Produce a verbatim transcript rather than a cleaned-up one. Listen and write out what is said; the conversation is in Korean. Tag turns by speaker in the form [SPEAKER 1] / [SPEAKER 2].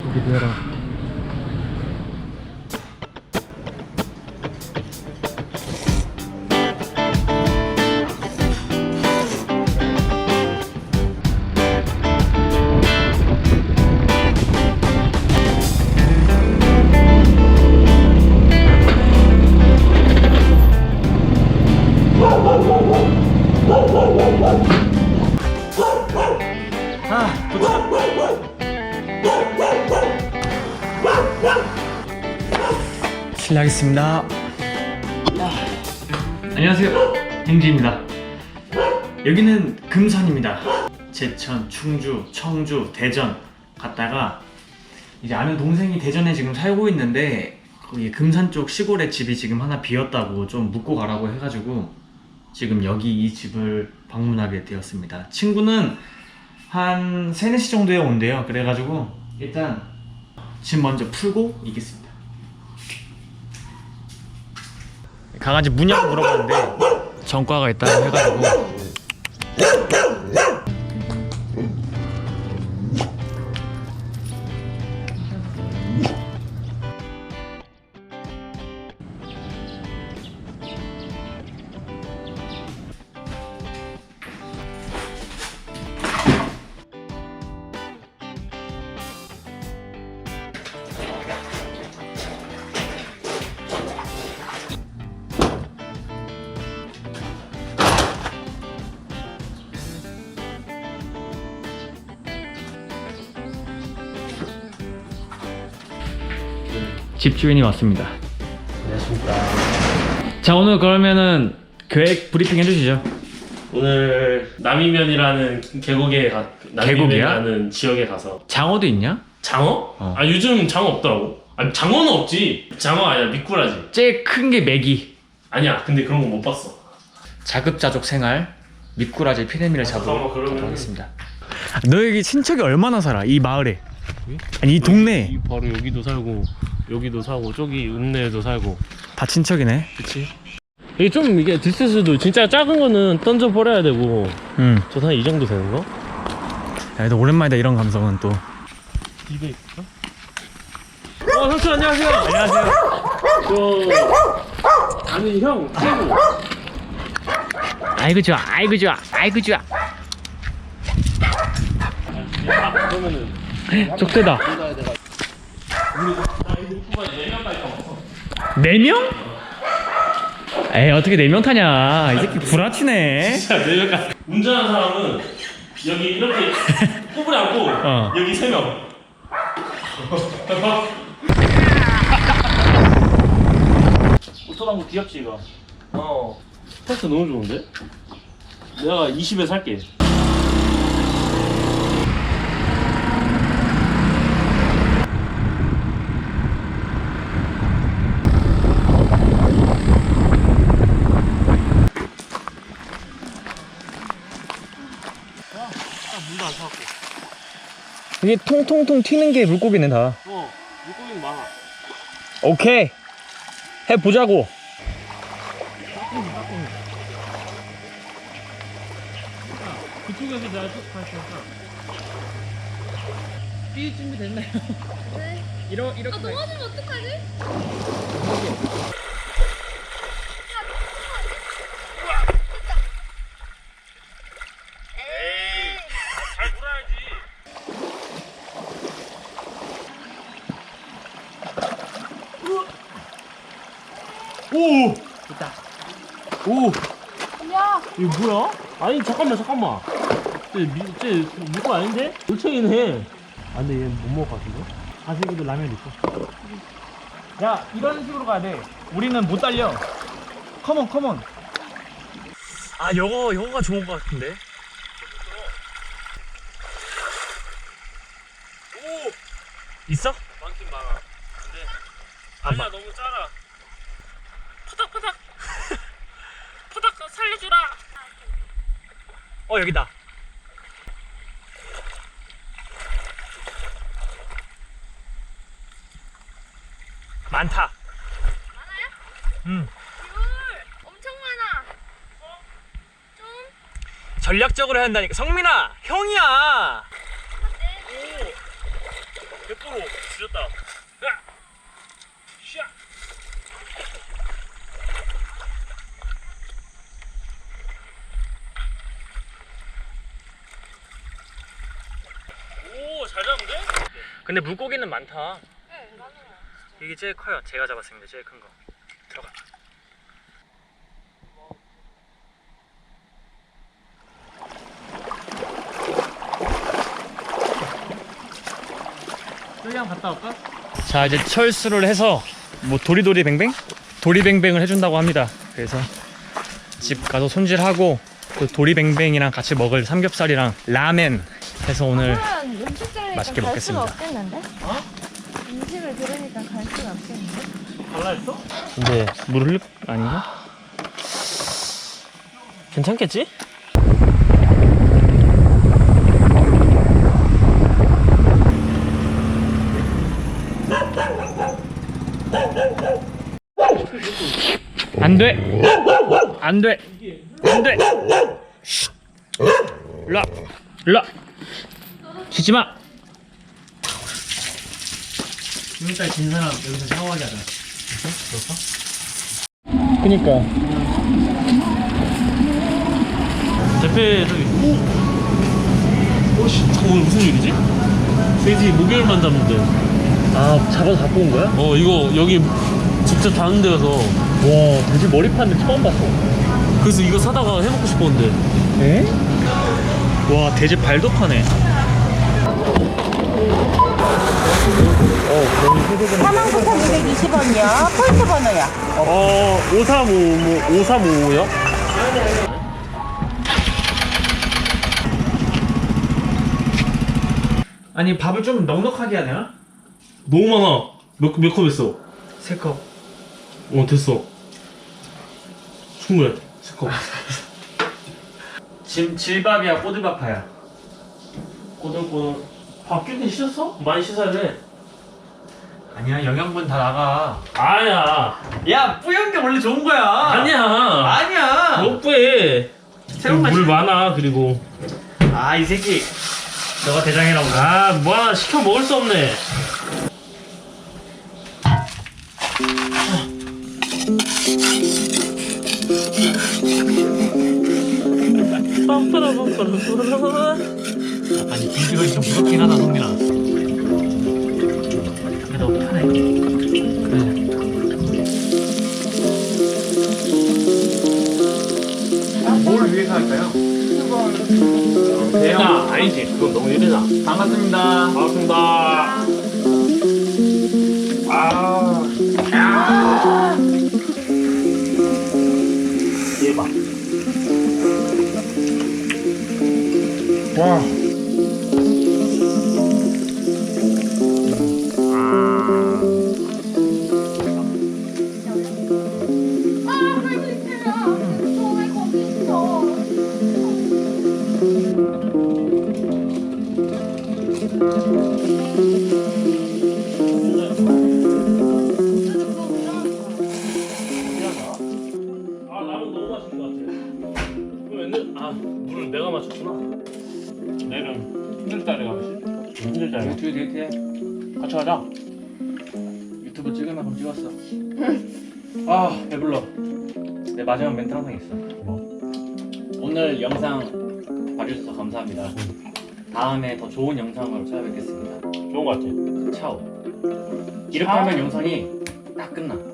[SPEAKER 1] 여기도 해라. 아, 도착. 실례하겠습니다. 안녕하세요, 행지입니다. 여기는 금산입니다. 제천, 충주, 청주, 대전 갔다가 이제 아는 동생이 대전에 지금 살고 있는데 거기 금산 쪽 시골에 집이 지금 하나 비었다고 좀 묵고 가라고 해가지고 지금 여기 이 집을 방문하게 되었습니다. 친구는 한 세네 시 정도에 온대요. 그래가지고 일단 집 먼저 풀고 있겠습니다. 강아지 무냐고 물어봤는데 전과가 있다고 해가지고 집주인이 왔습니다.
[SPEAKER 2] 안녕하십니까.
[SPEAKER 1] 자, 오늘 그러면은 계획 브리핑 해주시죠.
[SPEAKER 2] 오늘 남이면이라는 계곡에 가, 남이면이라는 지역에 가서
[SPEAKER 1] 장어도 있냐?
[SPEAKER 2] 장어?
[SPEAKER 1] 어.
[SPEAKER 2] 아 요즘 장어 없더라고. 아니 장어는 없지. 장어 아니야 미꾸라지.
[SPEAKER 1] 제일 큰 게 메기.
[SPEAKER 2] 아니야 근데 그런 거 못 봤어.
[SPEAKER 1] 자급자족 생활 미꾸라지 피레미를 잡으러
[SPEAKER 2] 잠깐만, 그러면은-
[SPEAKER 1] 가도록 하겠습니다. 너 여기 친척이 얼마나 살아? 이 마을에? 아니 이 동네에
[SPEAKER 2] 이 바로 여기도 살고 여기도 살고 저기 은내에도 살고.
[SPEAKER 1] 다 친척이네.
[SPEAKER 2] 그치? 이게 좀 이게 디스스도 진짜 작은 거는 던져 버려야 되고.
[SPEAKER 1] 응.
[SPEAKER 2] 저 한 이 정도 되는 거?
[SPEAKER 1] 야, 그래도 오랜만이다 이런 감성은 또.
[SPEAKER 2] 입에 있어? 어 삼촌 안녕하세요.
[SPEAKER 1] 안녕하세요.
[SPEAKER 2] 저 아니 형 최고.
[SPEAKER 1] 아이고 좋아, 아이고 좋아, 아이고 좋아.
[SPEAKER 2] 아, 그러면은
[SPEAKER 1] 쪽대다. 네 명? 에이 어떻게 네 명 타냐? 이 새끼 구라치네.
[SPEAKER 2] 진짜 내가 운전하는 사람은 여기 이렇게 꼬부리 앉고
[SPEAKER 1] 어.
[SPEAKER 2] 여기 세 명. 오토방구 귀엽지 이거. 어. 테스트 너무 좋은데? 내가 이십에 살게. 물도 안 사갖고.
[SPEAKER 1] 이게 통통통 튀는 게 물고기네 다.
[SPEAKER 2] 어, 물고기는 많아.
[SPEAKER 1] 오케이. 해보자고.
[SPEAKER 2] 그쪽에서 내가 쭉 갈테니까.
[SPEAKER 3] 삐 준비 됐나요? 네.
[SPEAKER 1] 이러 이렇게.
[SPEAKER 3] 아 넘어지면 어떡하지?
[SPEAKER 2] 잘 물어야지. 오!
[SPEAKER 1] 됐다.
[SPEAKER 2] 오!
[SPEAKER 3] 야.
[SPEAKER 2] 이거 뭐야? 아니 잠깐만 잠깐만. 쟤, 미, 쟤 물고 아닌데? 올챙이네. 아 근데 얘 못 먹을 것 같은데? 가슬기도 라면 있어.
[SPEAKER 1] 야 이런 식으로 가야 돼. 우리는 못 달려. 컴온 컴온. 아 요거 요거가 좋은 것 같은데.
[SPEAKER 2] 오!
[SPEAKER 1] 있어?
[SPEAKER 2] 많긴 많아. 근데
[SPEAKER 1] 아,
[SPEAKER 2] 아니야
[SPEAKER 1] 마-
[SPEAKER 2] 너무 짜라.
[SPEAKER 3] 푸닥푸닥. 푸닥 살려주라.
[SPEAKER 1] 어 여기다. 많다.
[SPEAKER 3] 많아요?
[SPEAKER 1] 응.
[SPEAKER 3] 귤 엄청 많아. 어? 좀?
[SPEAKER 1] 전략적으로 해야 한다니까. 성민아 형이야.
[SPEAKER 3] 네.
[SPEAKER 2] 예쁘다. 앞으로 줄였다. 야! 샤! 오, 잘 잡는데?
[SPEAKER 1] 근데 물고기는 많다.
[SPEAKER 3] 네, 많아요.
[SPEAKER 1] 이게 제일 커요. 제가 잡았습니다. 제일 큰 거. 들어가. 여기 한번 갔다 올까? 자, 이제 철수를 해서 뭐 도리도리 뱅뱅? 도리뱅뱅을 해준다고 합니다. 그래서 집 가서 손질하고 그 도리뱅뱅이랑 같이 먹을 삼겹살이랑 라멘 해서 오늘
[SPEAKER 3] 그러면 음식 들으니까
[SPEAKER 1] 맛있게
[SPEAKER 3] 갈
[SPEAKER 1] 먹겠습니다.
[SPEAKER 3] 수가 없겠는데?
[SPEAKER 2] 어?
[SPEAKER 3] 음식을 들으니까 갈 수가 없겠는데?
[SPEAKER 2] 갈라 했어?
[SPEAKER 1] 근데 물 흘릴 아닌가?
[SPEAKER 2] 괜찮겠지?
[SPEAKER 1] 안 돼! 안 돼! 안 돼! 쉿! 일로 와! 일로 와! 짖지 마! 지금까지 진 사람 여기서 샤워하게 하자. 그럴까? 그니까.
[SPEAKER 2] 대패 저기 오! 오씨 잠깐 오늘 무슨 일이지? 돼지 목요일만 잡는데
[SPEAKER 1] 아, 잡아서 갖고 온 거야?
[SPEAKER 2] 어 이거 여기 직접 다는 데 가서
[SPEAKER 1] 와, 돼지 머리 파는 데 처음 봤어.
[SPEAKER 2] 그래서 이거 사다가 해먹고 싶었는데
[SPEAKER 1] 에? 와, 돼지 발도 파네.
[SPEAKER 4] 사만 구천이백이십 원이요. 포인트 번호요.
[SPEAKER 2] 어 오삼오오 오삼오오요?
[SPEAKER 1] 아니, 밥을 좀 넉넉하게 해야 되나?
[SPEAKER 2] 너무 많아. 몇 몇 컵 했어?
[SPEAKER 1] 세 컵.
[SPEAKER 2] 어 됐어. 충분해. 세 컵.
[SPEAKER 1] 진, 질밥이야, 꼬들밥파야?
[SPEAKER 2] 꼬들꼬들. 밥 끼니 씻었어? 많이 씻어야 돼.
[SPEAKER 1] 아니야, 영양분 다 나가.
[SPEAKER 2] 아야.
[SPEAKER 1] 야, 뿌연 게 원래 좋은 거야.
[SPEAKER 2] 아니야.
[SPEAKER 1] 아니야.
[SPEAKER 2] 못 빼.
[SPEAKER 1] 새로운 맛이-
[SPEAKER 2] 물 많아 그리고.
[SPEAKER 1] 아, 이 새끼. 너가 대장이라고.
[SPEAKER 2] 아 뭐하나 시켜 먹을 수 없네.
[SPEAKER 1] 아니, 비주얼이 좀 무섭긴 하다, 성민아. 그래도 편해. 그래. 뭘 위해서 할까요?
[SPEAKER 2] 야 아니지 그건 너무 이르다.
[SPEAKER 1] 반갑습니다.
[SPEAKER 2] 반갑습니다. 아. 얘 봐.
[SPEAKER 1] 와.
[SPEAKER 3] 아, 할수 있어요. 너왜 거기 있어?
[SPEAKER 2] 아 라면 너무 맛있는 것 같아. 그럼 옛날 아 물을 내가 맞췄구나. 내일은 힘들다 가면서 힘들다.
[SPEAKER 1] 유튜브 데이트해.
[SPEAKER 2] 같이 가자.
[SPEAKER 1] 유튜브 찍으면 그럼 찍었어. 아, 배불러. 내 마지막 멘트 항상 있어.
[SPEAKER 2] 뭐?
[SPEAKER 1] 오늘 영상 봐주셔서 감사합니다. 다음에 더 좋은 영상으로 찾아뵙겠습니다.
[SPEAKER 2] 좋은 것 같아.
[SPEAKER 1] 차오. 이렇게 하면 영상이 딱 끝나.